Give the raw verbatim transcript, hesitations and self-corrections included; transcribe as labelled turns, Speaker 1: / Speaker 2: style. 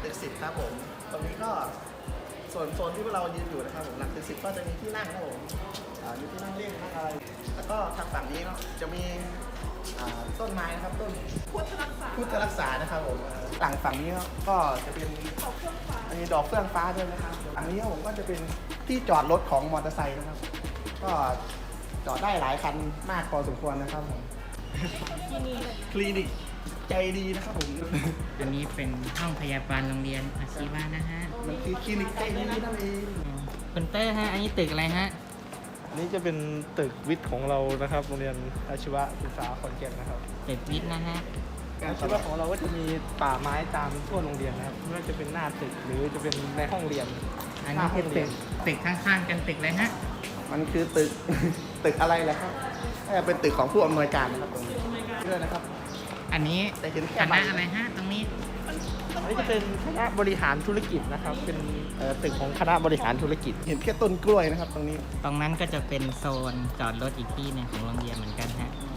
Speaker 1: ตึกสิบครับผมตรงนี้ก็ส่วนโซนที่พวกเรายืนอยู่นะครับผมหลังตึกสิบก็จะมีที่นั่งครับผมอ่ามีที่นั่งเล่นนั่งอะไรแล้วก็ทางฝั่งนี้เนาะจะมีอ่าต้นไม้นะครับต้น
Speaker 2: พุทธรักษา
Speaker 1: พุทธรักษานะครับผมหลังฝั่งนี้ก็จะเป็น
Speaker 2: เขาเครื่องฟ้า
Speaker 1: มีดอกเฟื่องฟ้าด้วยนะครับฝั่งนี้ผมก็จะเป็นที่จอดรถของมอเตอร์ไซค์นะครับ ก็จอดได้หลายคันมากพอสมควรนะครับผม
Speaker 2: ที่นี่
Speaker 1: คลินิกใจดีนะครับผม
Speaker 3: อันนี้เป็นห้องพยาบาลโรงเรียนอาชีวะนะฮะ
Speaker 1: มันคือคลินิกใจดีนั่นเอง
Speaker 3: คุณเต้ฮะ อันนี้ตึกอะไรฮะ
Speaker 4: อันนี้จะเป็นตึกวิทย์ของเรานะครับโรงเรียนอาชีวศึกษาขอนแก่นนะครับ
Speaker 3: ตึกวิทย์นะฮะ
Speaker 4: อาชีวะของเราก็จะมีป่าไม้ตามทั่วโรงเรียนนะครับไม่ว่าจะเป็นหน้าตึกหรือจะเป็นในห้องเรียน
Speaker 3: อันนี้คือตึกตึกข้างๆกันตึกเลยฮะ
Speaker 1: มันคือตึก ตึกอะไรแหละครับน่าจะเป็นตึกของผู้อำนวยการนะครับผมด้วยนะครับ
Speaker 3: อันนี้
Speaker 1: แต่เห็น
Speaker 3: ค
Speaker 1: แค่ใบ
Speaker 3: ณะอะไรฮะ ตรงนี้
Speaker 4: อันนี้จะเป็นคณะบริหารธุรกิจนะครับ เป็นเอ่อตึกของคณะบริหารธุรกิจ
Speaker 1: เห็นแค่ต้นกล้วยนะครับ ตรงนี้
Speaker 3: ตรงนั้นก็จะเป็นโซนจอดรถอีกที่หนึงของโรงเรียนเหมือนกันฮะ
Speaker 1: อื